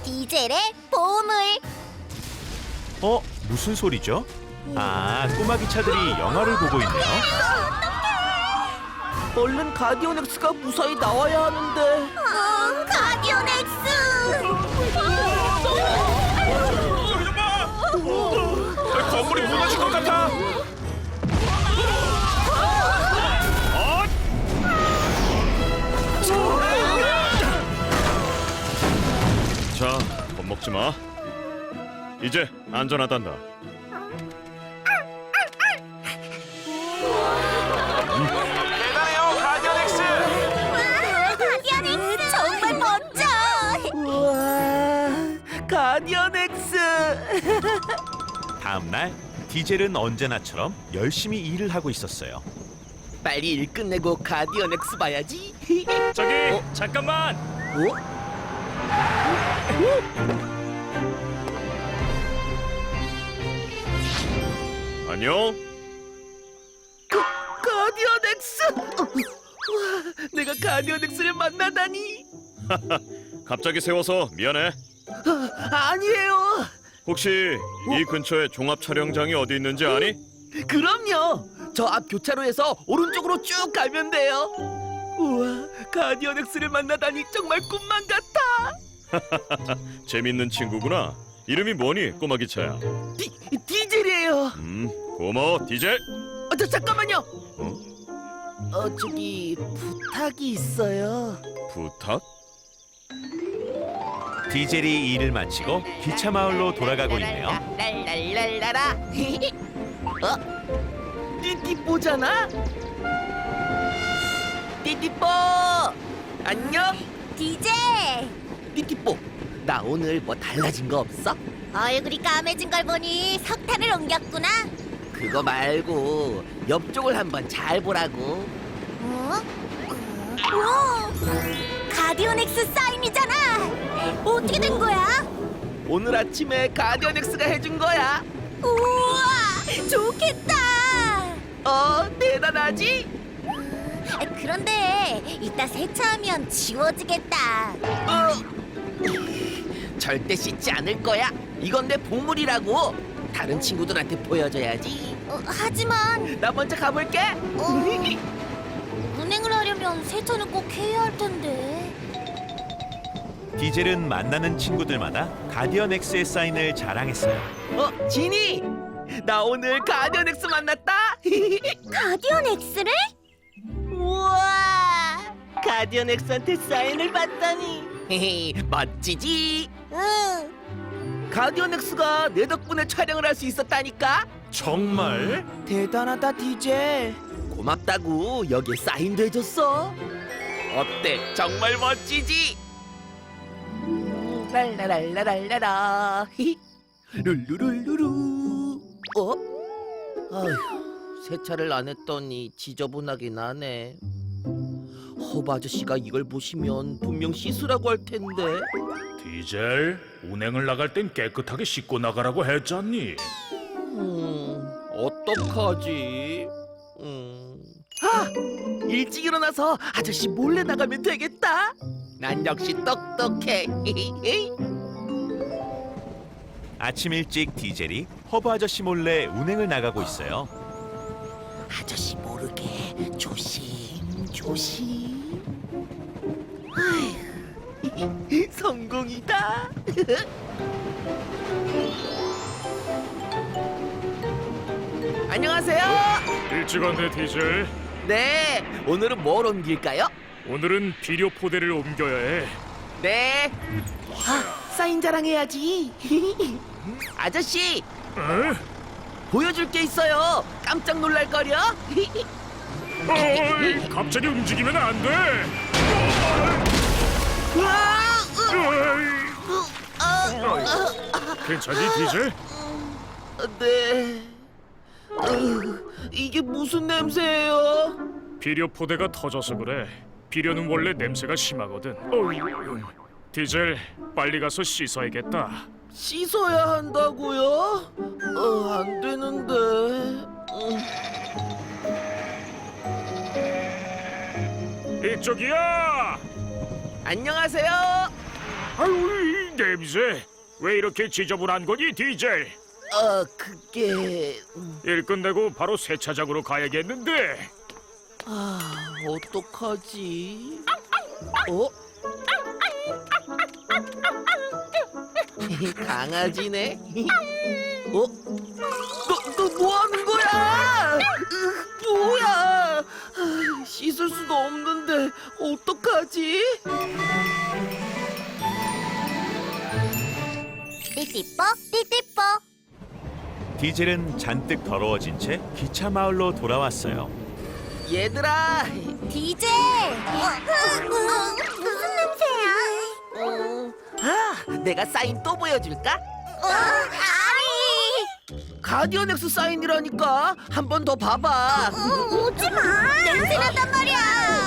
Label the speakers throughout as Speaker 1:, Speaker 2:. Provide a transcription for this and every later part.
Speaker 1: 디젤의 보물.
Speaker 2: 무슨 소리죠? 아, 꼬마 기차들이 영화를 보고 있네요.
Speaker 3: 얼른 가디언 X가 무사히 나와야 하는데.
Speaker 1: 가디언 X.
Speaker 2: 건물이 무너질 것 같아.
Speaker 4: 자, 겁먹지 마. 이제 안전하단다.
Speaker 2: 대단해요, 가디언 X.
Speaker 1: 가디언 X 정말 멋져.
Speaker 3: 우와, 가디언 X.
Speaker 2: 다음 날 디젤은 언제나처럼 열심히 일을 하고 있었어요.
Speaker 3: 빨리 일 끝내고 가디언 X 봐야지.
Speaker 4: 저기, 잠깐만.
Speaker 3: 어?
Speaker 4: 안녕.
Speaker 3: 가디언 X. 와, 내가 가디언 X를 만나다니.
Speaker 4: 갑자기 세워서 미안해.
Speaker 3: 아니에요.
Speaker 4: 혹시 이 근처에 종합 촬영장이 어디 있는지 아니?
Speaker 3: 그럼요. 저 앞 교차로에서 오른쪽으로 쭉 가면 돼요. 우와, 가디언 X를 만나다니 정말 꿈만 같아.
Speaker 4: 재밌는 친구구나. 이름이 뭐니, 꼬마 기차야?
Speaker 3: 디젤이에요.
Speaker 4: 고마워, 디젤.
Speaker 3: 잠깐만요. 저기 부탁이 있어요.
Speaker 4: 부탁?
Speaker 2: 디젤이 일을 마치고 기차 마을로 돌아가고 있네요.
Speaker 3: 랄랄랄라라. 띠띠뽀잖아. 띠띠뽀. 안녕.
Speaker 1: 디젤.
Speaker 3: 띠띠뽀. 나 오늘 뭐 달라진 거 없어?
Speaker 1: 얼굴이 까매진 걸 보니 석탄을 옮겼구나.
Speaker 3: 그거 말고 옆쪽을 한번 잘 보라고.
Speaker 1: 오, 가디언 X 사인이잖아. 어떻게 된 거야?
Speaker 3: 오늘 아침에 가디언 X가 해준 거야.
Speaker 1: 우와, 좋겠다.
Speaker 3: 대단하지?
Speaker 1: 그런데 이따 세차하면 지워지겠다.
Speaker 3: 절대 씻지 않을 거야. 이건 내 보물이라고. 다른 친구들한테 보여줘야지.
Speaker 1: 하지만
Speaker 3: 나 먼저 가볼게.
Speaker 1: 운행을 하려면 세차는 꼭 해야 할 텐데.
Speaker 2: 디젤은 만나는 친구들마다 가디언 X의 사인을 자랑했어요.
Speaker 3: 지니. 나 오늘 가디언 X 만났다.
Speaker 1: 가디언 X를? 우와.
Speaker 3: 가디언 X한테 사인을 받다니. 멋지지?
Speaker 1: 응.
Speaker 3: 가디언 X가 내 덕분에 촬영을 할 수 있었다니까.
Speaker 2: 정말?
Speaker 3: 대단하다, 디젤. 고맙다고 여기에 사인도 해줬어. 어때? 정말 멋지지? 랄라랄라랄라라. 룰루룰루루. 아휴, 세차를 안 했더니 지저분하긴 하네. 허브 아저씨가 이걸 보시면 분명 씻으라고 할 텐데.
Speaker 5: 디젤, 운행을 나갈 땐 깨끗하게 씻고 나가라고 했잖니.
Speaker 3: 어떡하지? 일찍 일어나서 아저씨 몰래 나가면 되겠다. 난 역시 똑똑해.
Speaker 2: 아침 일찍 디젤이 허브 아저씨 몰래 운행을 나가고 있어요.
Speaker 3: 아저씨 모르게 조심 조심. 아휴, 성공이다. 안녕하세요.
Speaker 5: 일찍 왔네, 디젤.
Speaker 3: 네, 오늘은 뭘 옮길까요?
Speaker 5: 오늘은 비료 포대를 옮겨야 해.
Speaker 3: 네. 사인 자랑해야지. 아저씨,
Speaker 5: 에?
Speaker 3: 보여줄 게 있어요. 깜짝 놀랄 거려.
Speaker 5: 어이, 갑자기 움직이면 안 돼. 어이. 괜찮니, 디젤?
Speaker 3: 네. 이게 무슨 냄새예요?
Speaker 5: 비료 포대가 터져서 그래. 비료는 원래 냄새가 심하거든. 디젤, 빨리 가서 씻어야겠다.
Speaker 3: 씻어야 한다고요? 안 되는데.
Speaker 5: 이쪽이야.
Speaker 3: 안녕하세요.
Speaker 5: 아유, 냄새 왜 이렇게 지저분한 거니, 디젤?
Speaker 3: 그게...
Speaker 5: 일 끝내고 바로 세차장으로 가야겠는데.
Speaker 3: 어떡하지? 어? 강아지네? 어? 너 뭐 하는 거야? 뭐야? 씻을 수도 없는데 어떡하지?
Speaker 1: 띠띠뽀 띠띠뽀.
Speaker 2: 디젤은 잔뜩 더러워진 채 기차 마을로 돌아왔어요.
Speaker 3: 얘들아!
Speaker 1: 디젤. 무슨 냄새야?
Speaker 3: 내가 사인 또 보여줄까?
Speaker 1: 아니.
Speaker 3: 가디언 엑스 사인이라니까. 한 번 더 봐봐.
Speaker 1: 오지 마. 냄새 난단 말이야.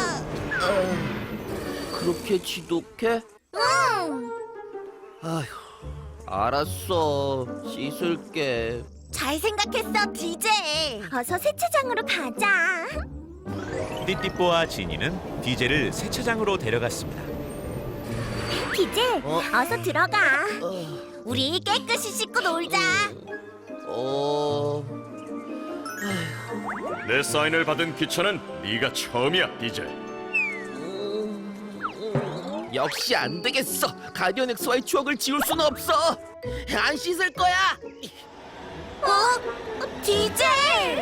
Speaker 3: 그렇게 지독해?
Speaker 1: 응.
Speaker 3: 아휴, 알았어. 씻을게.
Speaker 1: 잘 생각했어, 디젤. 어서 세차장으로 가자.
Speaker 2: 띠띠뽀와 지니는 디젤을 세차장으로 데려갔습니다.
Speaker 1: 디젤,
Speaker 3: 어?
Speaker 1: 어서 들어가.
Speaker 3: 어,
Speaker 1: 우리 깨끗이 씻고 놀자.
Speaker 4: 내 사인을 받은 기차는 네가 처음이야, 디젤.
Speaker 3: 역시 안 되겠어. 가디언 엑스와의 추억을 지울 수는 없어. 안 씻을 거야.
Speaker 1: 디젤!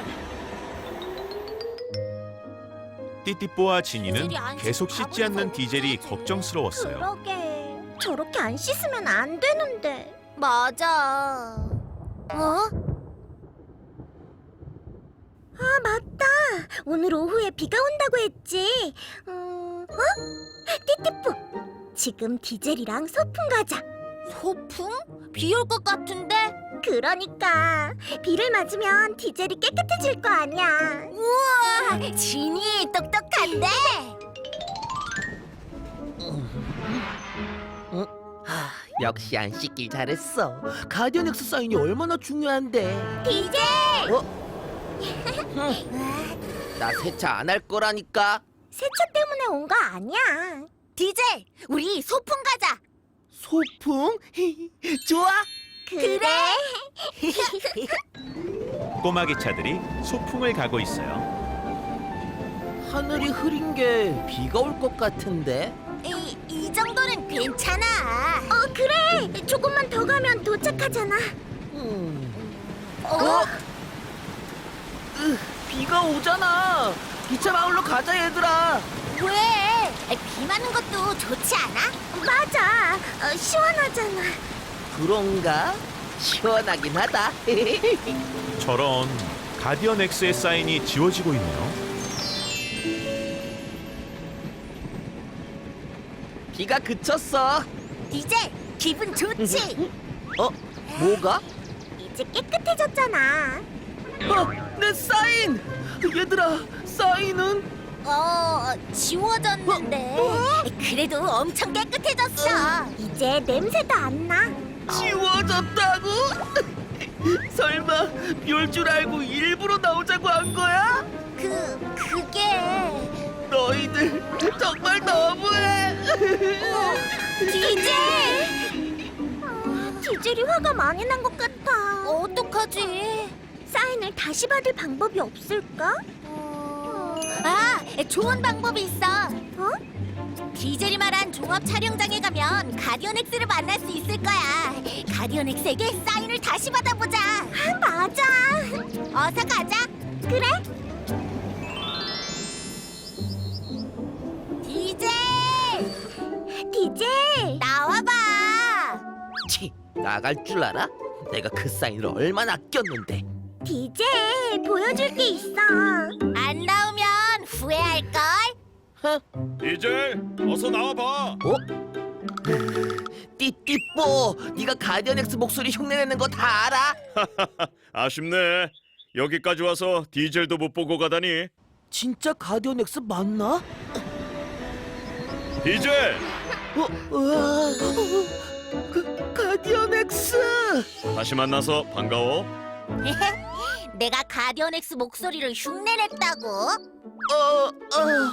Speaker 2: 띠띠뽀와 지니는
Speaker 1: 디젤이 안
Speaker 2: 계속
Speaker 1: 씻고
Speaker 2: 씻지 않는
Speaker 1: 바보지.
Speaker 2: 디젤이 걱정스러웠어요.
Speaker 1: 그러게. 저렇게 안 씻으면 안 되는데. 맞아. 아, 맞다. 오늘 오후에 비가 온다고 했지. 띠띠뿌. 지금 디젤이랑 소풍 가자. 소풍? 비 올 것 같은데? 그러니까 비를 맞으면 디젤이 깨끗해질 거 아니야. 우와, 진이 똑똑한데?
Speaker 3: 역시 안 씻길 잘했어. 가디언 엑스 사인이 얼마나 중요한데.
Speaker 1: 디젤!
Speaker 3: 나 세차 안 할 거라니까.
Speaker 1: 세차 때문에 온 거 아니야. 디젤, 우리 소풍 가자.
Speaker 3: 소풍? 좋아.
Speaker 1: 그래.
Speaker 2: 꼬마 기차들이 소풍을 가고 있어요.
Speaker 3: 하늘이 흐린 게 비가 올 것 같은데.
Speaker 1: 이 정도는 괜찮아. 그래. 조금만 더 가면 도착하잖아.
Speaker 3: 비가 오잖아. 기차 마을로 가자 얘들아.
Speaker 1: 왜? 비 맞는 것도 좋지 않아? 맞아. 시원하잖아.
Speaker 3: 그런가? 시원하긴 하다.
Speaker 2: 저런 가디언 X의 사인이 지워지고 있네요.
Speaker 3: 비가 그쳤어.
Speaker 1: 디젤, 기분 좋지?
Speaker 3: 뭐가?
Speaker 1: 이제 깨끗해졌잖아.
Speaker 3: 내 사인! 얘들아, 사인은?
Speaker 1: 지워졌는데. 그래도 엄청 깨끗해졌어. 이제 냄새도 안 나.
Speaker 3: 지워졌다고? 설마 비 올 줄 알고 일부러 나오자고 한 거야?
Speaker 1: 그게...
Speaker 3: 너희들 정말 너무해.
Speaker 1: 디젤! 디젤이 화가 많이 난 것 같아. 어떡하지? 사인을 다시 받을 방법이 없을까? 좋은 방법이 있어. 디젤이 말한 종합 촬영장에 가면 가디언 엑스를 만날 수 있을 거야. 가디언 엑스에게 사인을 다시 받아보자. 맞아. 어서 가자. 그래. 디젤, 나와봐.
Speaker 3: 치, 나갈 줄 알아? 내가 그 사인을 얼마나 아꼈는데.
Speaker 1: 디젤, 보여줄 게 있어. 안 나오면 후회할걸.
Speaker 4: 디젤, 어서 나와봐.
Speaker 3: 띠띠뽀, 네가 가디언 엑스 목소리 흉내내는 거 다 알아?
Speaker 4: 아쉽네. 여기까지 와서 디젤도 못 보고 가다니.
Speaker 3: 진짜 가디언 엑스 맞나?
Speaker 4: 디젤,
Speaker 3: 가디언 엑스.
Speaker 4: 다시 만나서 반가워.
Speaker 1: 내가 가디언 엑스 목소리를 흉내냈다고.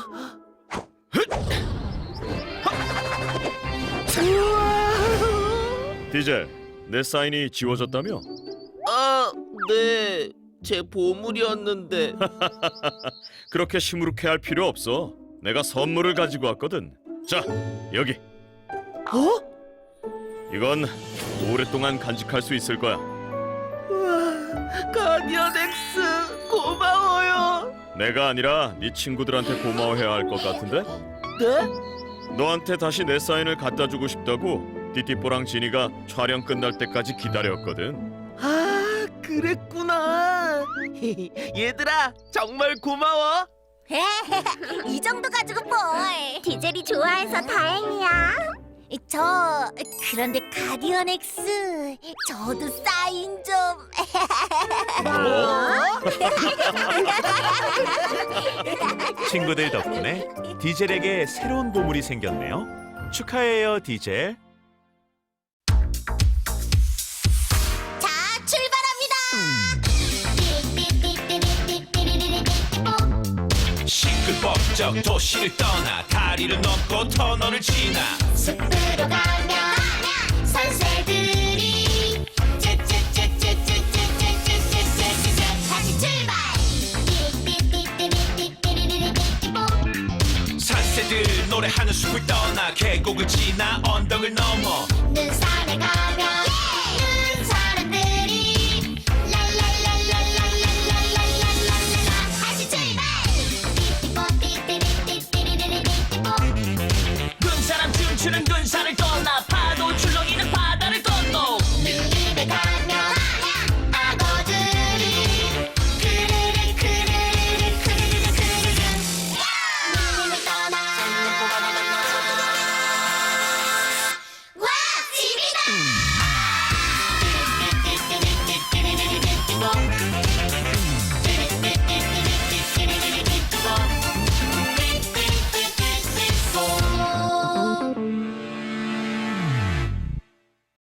Speaker 3: 우와,
Speaker 4: 디젤, 내 사인이 지워졌다며?
Speaker 3: 아, 네. 제 보물이었는데.
Speaker 4: 그렇게 시무룩해할 필요 없어. 내가 선물을 가지고 왔거든. 자, 여기.
Speaker 3: 어?
Speaker 4: 이건 오랫동안 간직할 수 있을 거야.
Speaker 3: 우와, 가디언 X 고마워요.
Speaker 4: 내가 아니라 네 친구들한테 고마워해야 할 것 같은데?
Speaker 3: 네?
Speaker 4: 너한테 다시 내 사인을 갖다 주고 싶다고 띠띠뽀랑 지니가 촬영 끝날 때까지 기다렸거든.
Speaker 3: 아, 그랬구나. 얘들아, 정말 고마워.
Speaker 1: 이 정도 가지고 뭘? 디젤이 좋아해서 다행이야. 그런데 가디언 X, 저도 사인 좀.
Speaker 2: 친구들 덕분에 디젤에게 새로운 보물이 생겼네요. 축하해요, 디젤.
Speaker 1: 자, 출발합니다.
Speaker 2: 시끌벅적 도시를 떠나 다리를 넘고 터널을 지나
Speaker 1: 숲으로 가면 선새들이 다시 출발.
Speaker 2: 산새들 노래하는 숲을 떠나 계곡을 지나 언덕을 넘어
Speaker 1: 눈산에 가면 는 사람들이 랄랄랄랄랄랄랄랄랄랄랄라 다시 출발.
Speaker 6: 군사람 춤추는 군산을 떠나 파도 출렁이는 바다를 건너
Speaker 1: 밀림에 가면 악어들이 크르르 밀림을 떠나